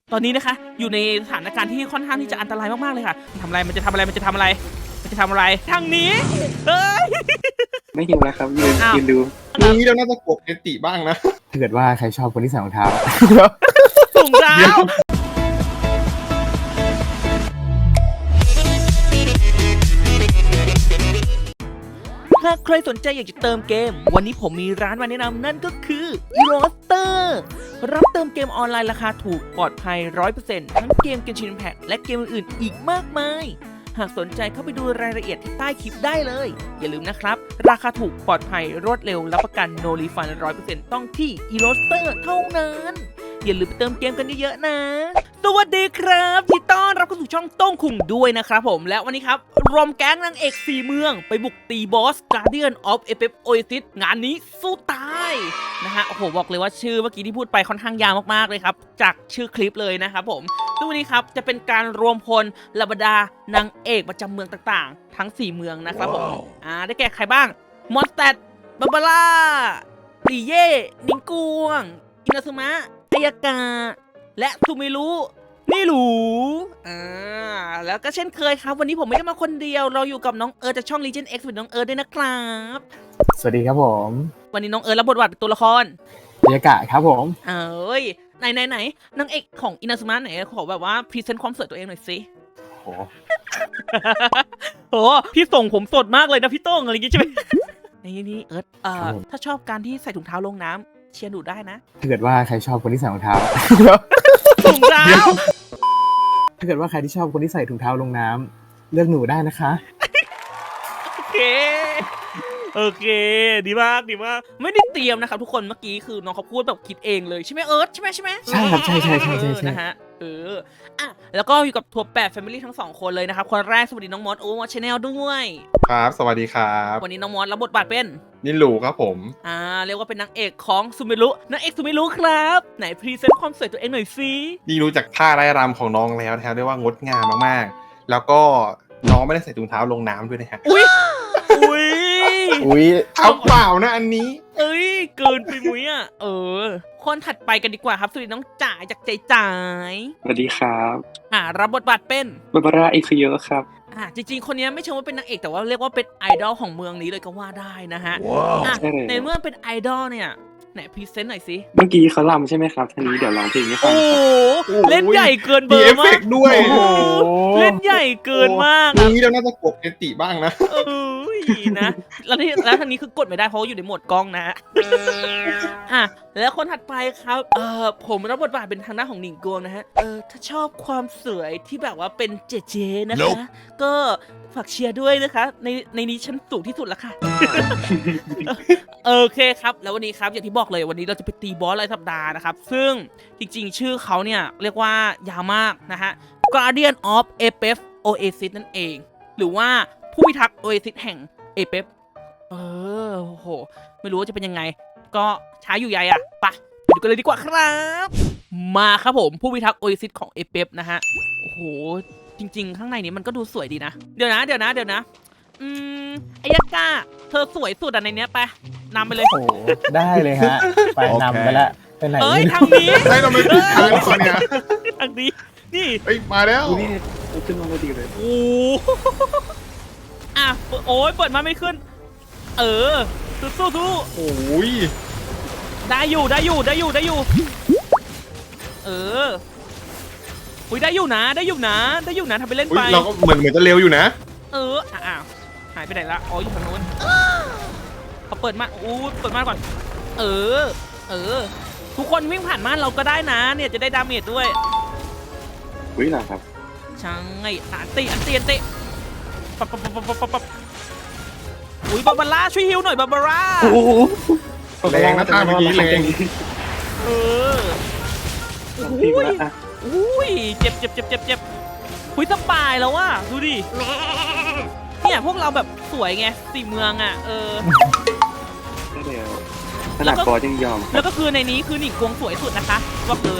ตอนนี้นะคะอยู่ในสถานการณ์ที่ค่อนข้างที่จะอันตรายมากๆเลยค่ะทำอะไรมันจะทำอะไรมันจะทำอะไรมันจะทำอะไรทางนี้เฮ้ยไม่หิวแล้วครับยืนอ้าวยืนดูนี้เราน่าจะกดเอติบ้างนะถ้าเกิดว่าใครชอบคนที่ใส่รองเท้าถุงเท้าถ้าใครสนใจอยากจะเติมเกมวันนี้ผมมีร้านมาแนะนำนั่นก็คือ Eroster รับเติมเกมออนไลน์ราคาถูกปลอดภัย 100% ทั้งเกม Genshin Impact และเกมอื่นๆอีกมากมายหากสนใจเข้าไปดูรายละเอียดที่ใต้คลิปได้เลยอย่าลืมนะครับราคาถูกปลอดภัยรวดเร็วรับประกัน No Refund 100% ต้องที่ Eroster เท่านั้นอย่าลืมไปเติมเกมกันเยอะๆนะสวัสดีครับที่ต้อนรับเข้าสู่ช่องโต้งคุงด้วยนะครับผมและวันนี้ครับรวมแก๊งนางเอก4เมืองไปบุกตีบอส Guardian of Apex Oasis งานนี้สู้ตายนะฮะโอ้โหบอกเลยว่าชื่อเมื่อกี้ที่พูดไปค่อนข้างยาวมากๆเลยครับจากชื่อคลิปเลยนะครับผมซึ่งวันนี้ครับจะเป็นการรวมพลเหล่าบรรดานางเอกประจำเมืองต่างๆ ทั้ง4เมืองนะครับผมได้แก่ใครบ้างมอนสเตดบาบาร่าลีเย่นิงกวงอินาซึมะอายากาและทูมิรุนี่หรูแล้วก็เช่นเคยครับวันนี้ผมไม่ได้มาคนเดียวเราอยู่กับน้องเอิร์ธจากช่อง Legion X เป็นน้องเอิร์ธด้วยนะครับสวัสดีครับผมวันนี้น้องเอิร์ธรับบทบาทเป็นตัวละครบรรยากาศครับผมเอ้ยไหนนางเอกของอินาซึมะไหนขอแบบว่าพรีเซนต์ความสวยตัวเองหน่อยสิโหโหพี่ส่งผมสดมากเลยนะพี่โต้งอะไรอย่างงี้ใช่ไหม นี่เอิร์ธถ้าชอบการที่ใส่ถุงเท้าลงน้ำเชียร์หนูได้นะถ้าเกิดว่าใครชอบคนที่ใส่รองเท้าถุงเท้าถ้าเกิดว่าใครที่ชอบคนที่ใส่ถุงเท้าลงน้ำเลือกหนูได้นะคะโอเคดีมากไม่ได้เตรียมนะครับทุกคนเมื่อกี้คือน้องเขาพูดแบบคิดเองเลยใช่ไหมเอิร์ธใช่ไหมใช่ครับใช่นะฮะแล้วก็อยู่กับทัวร์8 Family ทั้ง2คนเลยนะครับคนแรกสวัสดีน้องมอสมอสชาแนลด้วยครับสวัสดีครับวันนี้น้องมอสรับบทบาทเป็นนิลูครับผมเรียกว่าเป็นนางเอกของซูมิรุนางเอกซูมิรุครับไหนพรีเซนต์ความสวยตัวเองหน่อยสินี่รู้จักท่าไร่รำของน้องแล้วนะครับเรียกว่างดงามมากๆ แล้วก็น้องไม่ได้ใส่ถุงเท้าลงน้ำด้วยนะฮะอุ้ยเท้าเปล่านะอันนี้เอ้ยเกินไปมุ้ยคนถัดไปกันดีกว่าครับสวัสดีน้องจ๋าจากใจจ๋ายสวัสดีครับรับบทบาทเป็นบาบาร่าเอคิโยครับจริงๆคนนี้ไม่เชิงว่าเป็นนางเอกแต่ว่าเรียกว่าเป็นไอดอลของเมืองนี้เลยก็ว่าได้นะฮะใช่เลยในเมื่อเป็นไอดอลเนี่ยไหนพรีเซนต์หน่อยสิเมื่อกี้เขาลำใช่ไหมครับทีนี้เดี๋ยวร้องเพลงให้ฟัโอ้งโหโอ้ยเล่นใหญ่เกินเบมีอเอฟร์เฟมากกต์ด้วยโอ้โหเล่นใหญ่เกินมากนี้เราน่าจะกดเอติบ้างนะนะแล้วทางนี้คือกดไม่ได้เพราะว่าอยู่ในโหมดกล้องนะแล้วคนถัดไปครับผมรับบทบาทเป็นทางด้านของหนิงกวงนะฮะถ้าชอบความสวยที่แบบว่าเป็นเจนะคะก็ฝากเชียร์ด้วยนะคะในนี้ฉันสูงที่สุดแล้วค่ะ โอเคครับแล้ววันนี้ครับอย่างที่บอกเลยวันนี้เราจะไปตีบอสรายสัปดาห์นะครับซึ่งจริงๆชื่อเขาเนี่ยเรียกว่ายาวมากนะฮะ Guardian of Apex Oasis นั่นเองหรือว่าผู้พิทักษ์ Oasis แห่ง Apex โอ้โหไม่รู้ว่าจะเป็นยังไงก็ช้าอยู่ใหญ่ไปดูกันเลยดีกว่าครับมาครับผมผู้พิทักษ์ Oasis ของ Apex นะฮะโอ้โหจริงๆข้างในนี้มันก็ดูสวยดีนะเดี๋ยวนะอายากาเธอสวยสุดในเนี้ยไปนำไปเลยโอ้ได้เลยฮะ ไปนำไปละไปไหนทางนี้ให้เราไม่ผิดทางก่อนเนี่ยทางนี้นี่เฮ้ยมาแล้วนี่ขึ้นมาพอดีเลยโอ้โอ้ยเปิดมาไม่ขึ้นสู้โอ้ยได้อยู่อุ้ยได้อยู่นะทำไปเล่นไปเราก็เหมือนจะเร็วอยู่นะหายไปไหนละอ๋ออยู่ทางโน้นเขาเปิดมาเปิดมาก่อนทุกคนวิ่งผ่านม่านเราก็ได้นะเนี่ยจะได้ดาเมจด้วยอุ้ยเหรอครับใช่อันตีปับอุ้ยบาบาร่าช่วยฮิวหน่อยบาบาร่าแรงนะท่าเมื่อกี้แรงอุ้ยเจ็บอุ้ยสปายแล้วว่ะดูดิเนี่ยพวกเราแบบสวยไง4เมืองได้แล้วขนาดบอสยังยอมแล้วก็คือในนี้คือหนิงกวงสวยสุดนะคะบอกเลย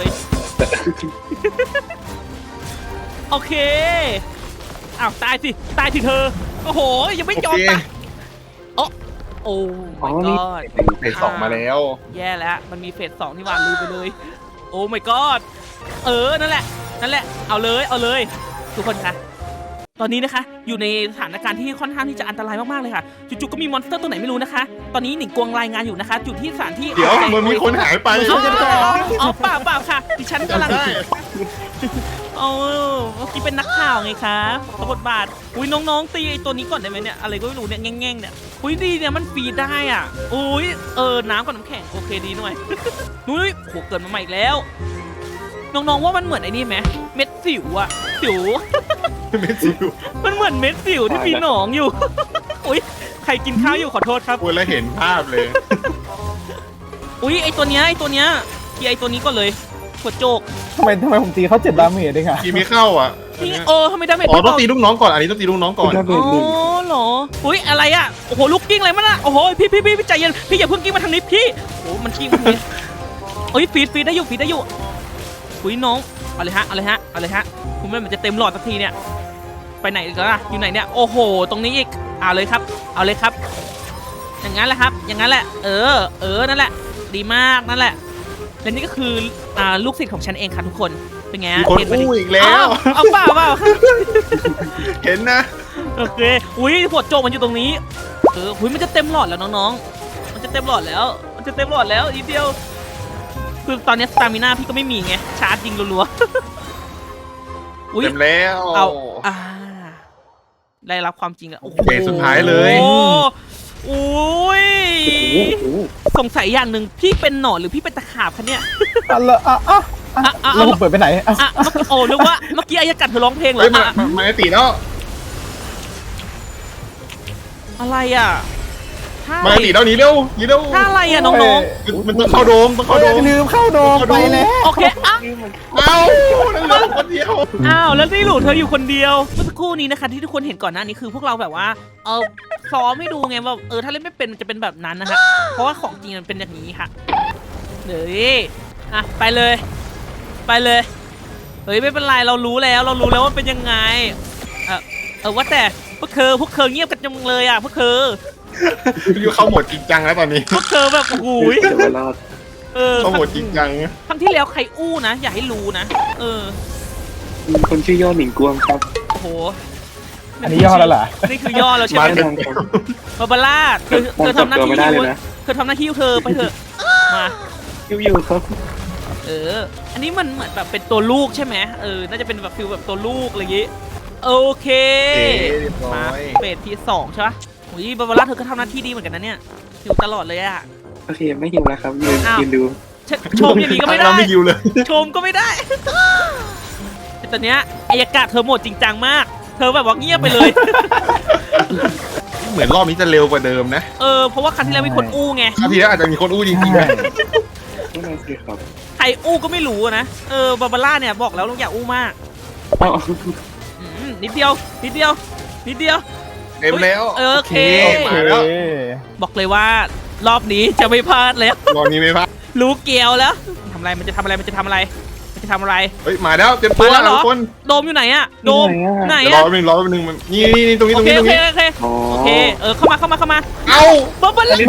โอเคตายสิเธอโอ้โหยังไม่จบนะโอ้ my god เฟส 2มาแล้วแย่แล้วมันมีเฟส 2นี่หว่าลืมไปเลยโอ้ my god นั่นแหละเอาเลยทุกคนคะตอนนี้นะคะอยู่ในสถานการณ์ที่ค่อนข้างที่จะอันตรายมากๆเลยค่ะจู่ๆก็มีมอนสเตอร์ตัวไหนไม่รู้นะคะ ตอนนี้หนิงกวงรายงานอยู่นะคะอยู่ที่สถานที่เดี๋ยวมันมีคนหายไปอ๋อเปล่าค่ะดิฉันกำลังเมื่อกี้เป็นนักข่าวไงคะตบทบาทอุ้ยน้องๆตีไอ้ตัวนี้ก่อนได้ไหมเนี่ยอะไรก็ไม่รู้เนี่ยแง่งๆเนี่ยอุ้ยดีเนี่ยมันฟีดได้อ่ะอุ้ยน้ำกับน้ำแข็งโอเคดีหน่อยนุ้ยโหเกิดมาใหม่อีกแล้วน้องๆว่ามันเหมือนไอ้นี่ไหมเม็ดสิวอะสิวไม่จิวมันเหมือนเม็ดสิวที่มีหนองอยู่ อุ้ยใครกินข้าวอยู่ขอโทษครับพูดแล้วเห็นภาพเลยอุ้ยไอตัวเนี้ยเคลียร์ไอตัวนี้ก่อนเลยหัวโจกทำไมผมตีเขา7 ดาเมจเองอะกีไม่เข้าอ่ะอันนี่เนี้ยทำไมดาเมจอ๋อต้องตีลูกน้องก่อนอันนี้ต้องตีลูกน้องก่อนอ๋อเหรออุ้ยอะไรอ่ะโอ้โหลูกกิ้งอะไรมันอ่ะโอ้โหพี่ใจเย็นพี่อย่าเพิ่งกิ้งมาทางนี้พี่โอ้มันกิ้งมาทางนี้เอ้ยฟีดได้อยู่อุ้ยน้องเอาเลยฮะคุณแม่มันจะเต็มหลอดสักทีเนี่ยไปไหนอีกแล้วล่ะอยู่ไหนเนี่ยโอ้โหตรงนี้อีกเอาเลยครับอย่างนั้นแหละครับอย่างนั้นแหละนั่นแหละดีมากนั่นแหละและนี่ก็คือลูกศิษย์ของฉันเองค่ะทุกคนเป็นไงมีคนอู้อีกแล้วเอาเปล่าเห็นนะโอเคอุ้ยหัวโจกมันอยู่ตรงนี้อุ้ยมันจะเต็มหลอดแล้วน้องๆมันจะเต็มหลอดแล้วอีกเดียวคือตอนนี้สตามิน่าพี่ก็ไม่มีไงชาร์จยิงรัวๆอุ้ยเต็มแล้วได้รับความจริงแล้วโอ้โหเกมสุดท้ายเลยโอ้ยสงสัยอย่างหนึ่งพี่เป็นหนอนหรือพี่เป็นตะขาบคะเนี่ยแล้วผมเปิดไปไหนนึกว่าเมื่อกี้อายกัดเธอร้องเพลงเหรเฮ้ยอมาตีแล้วอะไรอ่ะมาตีแล้วหนีเร็วท่าอะไรอ่ะน้องมันต้องเข้าโดมลืมเข้าโดมไปแล้วๆโอเคเอ้านั่นเหลือคนเดียวแล้วนี่หลูเธออยู่คนเดียวเมื่อสักครู่นี้นะคะที่ทุกคนเห็นก่อนหน้านี้คือพวกเราแบบว่าซ้อมให้ดูไงว่าถ้าเล่นไม่เป็นมันจะเป็นแบบนั้นนะคะเพราะว่าของจริงมันเป็นอย่างนี้ค่ะเดี๋ยวไปเลยเฮ้ยไม่เป็นไรเรารู้แล้วว่าเป็นยังไงว่าแต่พวกเธอเงียบกันจังเลยอ่ะพวกเธออยู่เข้าโหมดจริงจังแล้วตอนนี้พวกเธอแบบโอ้โหเข้าโหมดจริงจังครั้งที่แล้วใครอู้นะอย่าให้รู้นะคนชื่อย่อหนิงกวงครับโอ้โหอันนี้ย่อแล้วเหรอนี่คือย่อแล้วใช่ไหมมาบาบาร่าเธอทำหน้าที่เธอทำหน้าที่เธอไปเถอะมาอยู่ครับอันนี้มันเหมือนแบบเป็นตัวลูกใช่ไหมน่าจะเป็นแบบฟิลแบบตัวลูกอะไรอย่างงี้โอเคมาเฟสที่2ใช่ปะโอ้ยบาบาร่าเธอก็ทำหน้าที่ดีเหมือนกันนะเนี่ยอยู่ตลอดเลยอะโอเคไม่หิวแล้วครับยืนดูชมอย่างนี้ก็ไม่ได้เราไม่ยิวเลยชมก็ไม่ได้แต่ตอนเนี้ยอายกาศเธอโหมดจริงจังมากเธอแบบว่าเงียบไปเลยเหมือนรอบนี้จะเร็วกว่าเดิมนะเพราะว่าครั้งที่แล้วมีคนอู้ไงคราวที่แล้วอาจจะมีคนอู้จริงๆนะไม่น่าสิครับใครอู้ก็ไม่รู้นะบาบาร่าเนี่ยบอกแล้วเราอย่าอู้มาก นิดเดียวเต็มแล้วโอเคมาแล้วบอกเลยว่ารอบนี้จะไม่พลาดแล้วรอบนี้ไม่พลาดรู้เกี่ยวแล้วมันจะทำอะไรเฮ้ยมาแล้วเต็มตัวมาแล้วเหรอทุกคนโดมอยู่ไหนอะโดมไหนเดี๋ยวรออะแป๊บนึงมันนี่ตรงนี้โอเคเข้ามาเอ้าบาบาร่า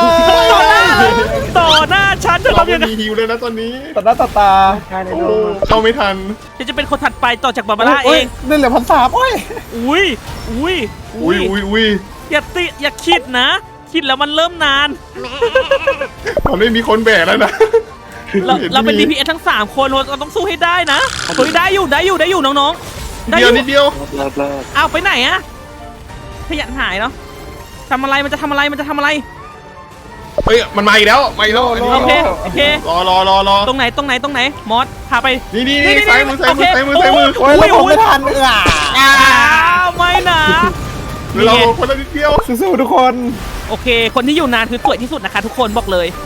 ต่อหน้าฉันเธอเราทำยังไงไม่มีฮิวเลยนะตอนนี้ต่อหน้าต่อตาใช่เลยโอ้เข้าไม่ทันจะเป็นคนถัดไปต่อจากบาบาร่าเองเล่นเหลือ1,300โอ้ยอุ้ยอย่าคิดนะ คิดแล้วมันเริ่มนานมันไม่มีคนแบกแล้วนะเราเป็น DPS ทั้ง3คนเราต้องสู้ให้ได้นะเฮ้ยได้อยู่น้องๆได้อนิดเดียวอ้าวไปไหนอะขยันหายเนาะทำอะไรมันจะทำอะไรเฮ้ยมันมาอีกแล้วอันนี้โอเครอตรงไหนมอสพาไปนี่ซ้ายมือโอ้ยแล้วผมไม่ทันอ้าวไม่นะเราคนละนิดเดียวสู้ๆทุกคนโอเคคนที่อยู่นานคือสวยที่สุดนะคะทุกคนบอกเลย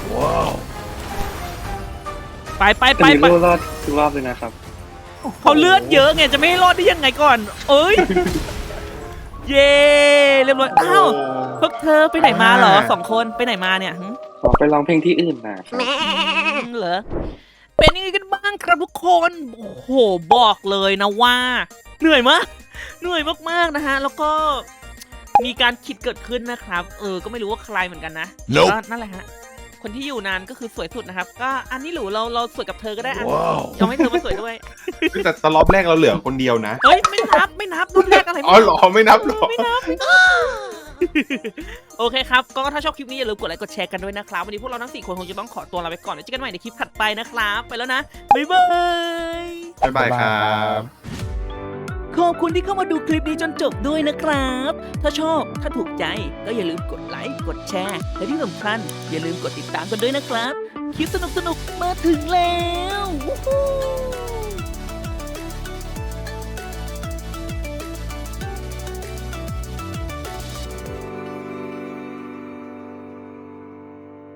ไปแต่มีรอดทุกรอบเลยนะครับเขาเลือดเยอะไงจะไม่ให้รอดได้ยังไงก่อน เย้เรียบร้อยอ้าวพวกเธอไปไหนมาเหรอ2 คนไปไหนมาเนี่ยขอไปร้องเพลงที่อื่นนะเหรอเป็นยังไงกันบ้างครับทุกคนโอ้โหบอกเลยนะว่าเหนื่อยมากนะฮะแล้วก็มีการคิดเกิดขึ้นนะครับก็ไม่รู้ว่าใครเหมือนกันนะก็นั่นแหละฮะคนที่อยู่นานก็คือสวยสุดนะครับก็อันนี้หรูเราสวยกับเธอก็ได้อันยอมให้เธอมาสวยด้วยแต่รอบแรกเราเหลือคนเดียวนะเฮ้ยไม่นับรุ่นแรกอะไรอ๋อเหรอไม่นับหรอไม่นับ โอเคครับก็ถ้าชอบคลิปนี้อย่าลืมกดไลค์กดแชร์กันด้วยนะครับวันนี้พวกเราทั้ง4คนคงจะต้องขอตัวลาไปก่อนแล้วเจอกันใหม่ในคลิปถัดไปนะครับไปแล้วนะบ๊ายบายบ๊ายบายครับขอบคุณที่เข้ามาดูคลิปนี้จนจบด้วยนะครับ ถ้าชอบถ้าถูกใจก็อย่าลืมกดไลค์กดแชร์และที่สำคัญอย่าลืมกดติดตามกันด้วยนะครับคลิปสนุกๆมาถึงแล้ววู้ฮู้